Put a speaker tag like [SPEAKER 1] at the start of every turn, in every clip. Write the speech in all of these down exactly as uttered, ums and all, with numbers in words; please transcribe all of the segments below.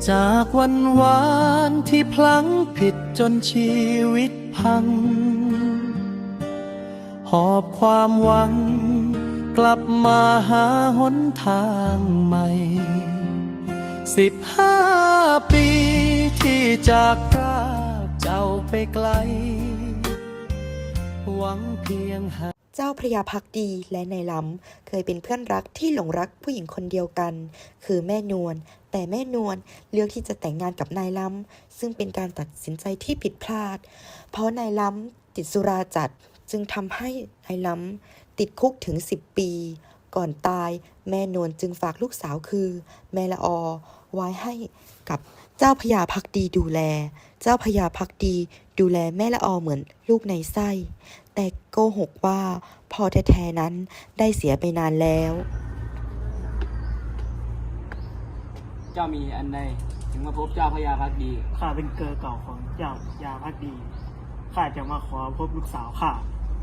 [SPEAKER 1] จากวันวานที่พลั้งผิดจนชีวิตพังหอบความหวังกลับมาหาหนทางใหม่สิบห้าปีที่จากพรากเจ้าไปไกลหวังเพียงหา
[SPEAKER 2] เจ้าพระยาภักดีและนายล้ำเคยเป็นเพื่อนรักที่หลงรักผู้หญิงคนเดียวกันคือแม่นวลแต่แม่นวลเลือกที่จะแต่งงานกับนายล้ำซึ่งเป็นการตัดสินใจที่ผิดพลาดเพราะนายล้ำติดสุราจัดจึงทำให้นายล้ำติดคุกถึงสิบปีก่อนตายแม่นวลจึงฝากลูกสาวคือแม่ละออไว้ให้กับเจ้าพระยาภักดีดูแลเจ้าพระยาภักดีดูแลแม่ละออเหมือนลูกในไส้แต่โกหกว่าพ่อแท้ๆนั้นได้เสียไปนานแล้ว
[SPEAKER 3] เจ้ามีอันใดถึงมาพบเจ้าพระยาภักดี
[SPEAKER 4] ข้าเป็นเกอเก่าของเจ้าพระยาภักดีข้าจะมาขอพบลูกสาวข้า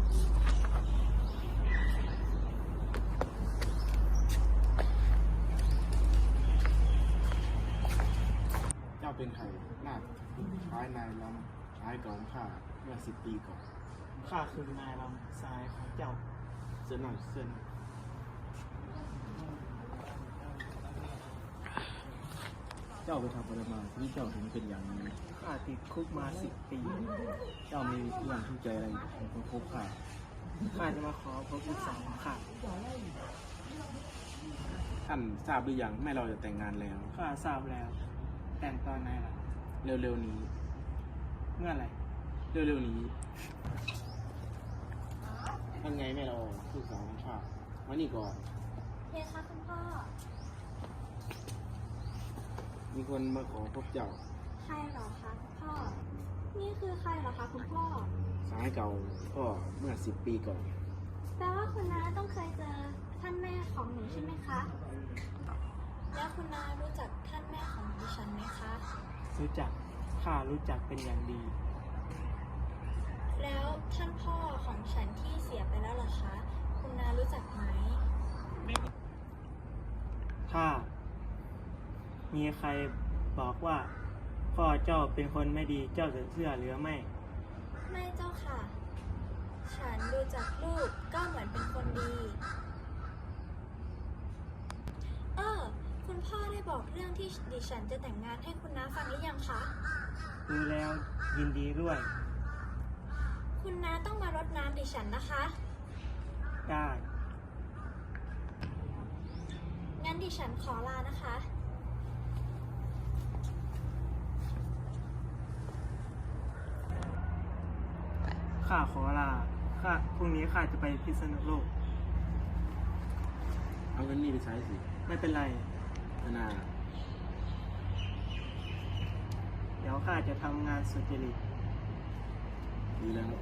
[SPEAKER 5] เจ้าเป็นใครหน้าคล้ายนายล้ำคล้ายเก่าของข้าเมื่อสิบปีก่อน
[SPEAKER 4] ข้าคือนายลำสายของเจ้า
[SPEAKER 5] เส้นหน่อยเส้นเจ้าไปทำอะไรมาที่เจ้าถึงเป็นอย่างนี้
[SPEAKER 4] ข้าติดคุกมาสิบปี
[SPEAKER 5] เจ้ามีเรื่องทุกข์ใจอะไรของพบข้า
[SPEAKER 4] ข้าจะมาขอพบลูกสาวของข้า
[SPEAKER 5] ท่านทราบหรือยังแม่เราจะแต่งงานแล้ว
[SPEAKER 4] ข้าทราบแล้วแต่งตอนไหนล่ะ
[SPEAKER 5] เร็วๆนี้
[SPEAKER 4] เมื่อไหร่
[SPEAKER 5] เร็วๆนี้ท่านไงแม่เราลูกสาวของข้ามานี่ก่อน
[SPEAKER 6] เพคะคุณพ่อ
[SPEAKER 5] มีคนมาขอพบเจ้า
[SPEAKER 6] ใครหรอคะคุณพ่อนี่คือใครหรอคะคุณพ่อ
[SPEAKER 5] สายเก่าพ่อเมื่อสิบปีก่อน
[SPEAKER 6] แปลว่าคุณน้าต้องเคยเจอท่านแม่ของหนูใช่ไหมคะแล้วคุณน้ารู้จักท่านแม่ของดิฉันไหมคะ
[SPEAKER 4] รู้จักข้ารู้จักเป็นอย่างดี
[SPEAKER 6] แล้วท่านพ่อของฉันที่เสียไปแล้วล่ะคะคุณน้ารู้จักไหม
[SPEAKER 4] ข้ามีใครบอกว่าพ่อเจ้าเป็นคนไม่ดีเจ้าจะเชื่อหรือไม่
[SPEAKER 6] ไม่เจ้าค่ะฉันดูจากลูกก็เหมือนเป็นคนดีเออคุณพ่อได้บอกเรื่องที่ดิฉันจะแต่งงานให้คุณน้าฟังหรือยังคะ
[SPEAKER 4] ดูแล้วยินดีด้วย
[SPEAKER 6] คุณน้าต้องมารดน้ำดิฉันนะคะ
[SPEAKER 4] ได้
[SPEAKER 6] งั้นดิฉันขอลานะคะ
[SPEAKER 4] ข้าขอลาข้าพรุ่งนี้ข้าจะไปพิษณุโลก
[SPEAKER 5] เอาเงินนี่ไปใช้สิ
[SPEAKER 4] ไม่เป็นไร
[SPEAKER 5] นา
[SPEAKER 4] เดี๋ยวข้าจะทำงานสุจริต
[SPEAKER 5] ดีแล้ว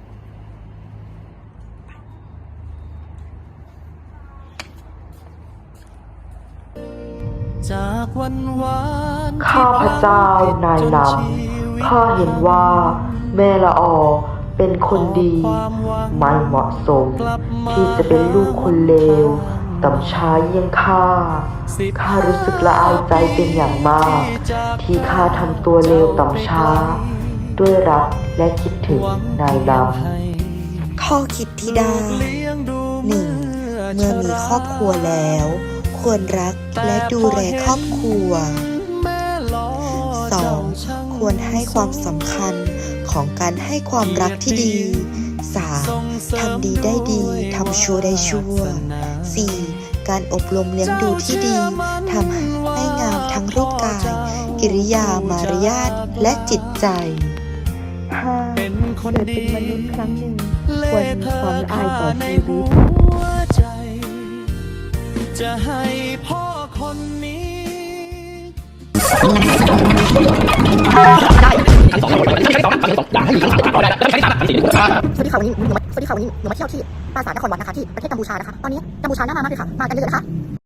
[SPEAKER 1] จากวันวาน
[SPEAKER 2] ข้าพเจ้านายล้ำข้าเห็นว่าแม่ละออเป็นคนดีไม่เหมาะสมที่จะเป็นลูกคนเลวต่ำช้าเยี่ยงข้าข้ารู้สึกละอายใจเป็นอย่างมากที่ข้าทำตัวเลวต่ำช้าด้วยรักและคิดถึงนายล้ำข้อคิดที่ได้หนึ่งเมื่อมีครอบครัวแล้วควรรักและดูแลครอบครัว สอง ควรให้ความสำคัญของการให้ความรักที่ดี สาม ทำดีได้ดีทำชั่วได้ชั่ว สี่ การอบรมเลี้ยงดูที่ดีทำให้งามทั้งรูปกายกิริยามารยาทและจิตใจ ห้า เกิดเป็นมนุษย์ครั้งหนึ่งควรมีความละอายต่อชีวิต
[SPEAKER 1] จะให้พ่อคนนี้
[SPEAKER 2] สวัสดีค่ะวันนี้หนูมาสวัสดีค่ะวันนี้หนูมาเที่ยวที่ปราสาทนครวัดนะคะที่ประเทศกัมพูชานะคะตอนนี้กัมพูชาน่ามากเลยค่ะมากันเยอะๆนะคะ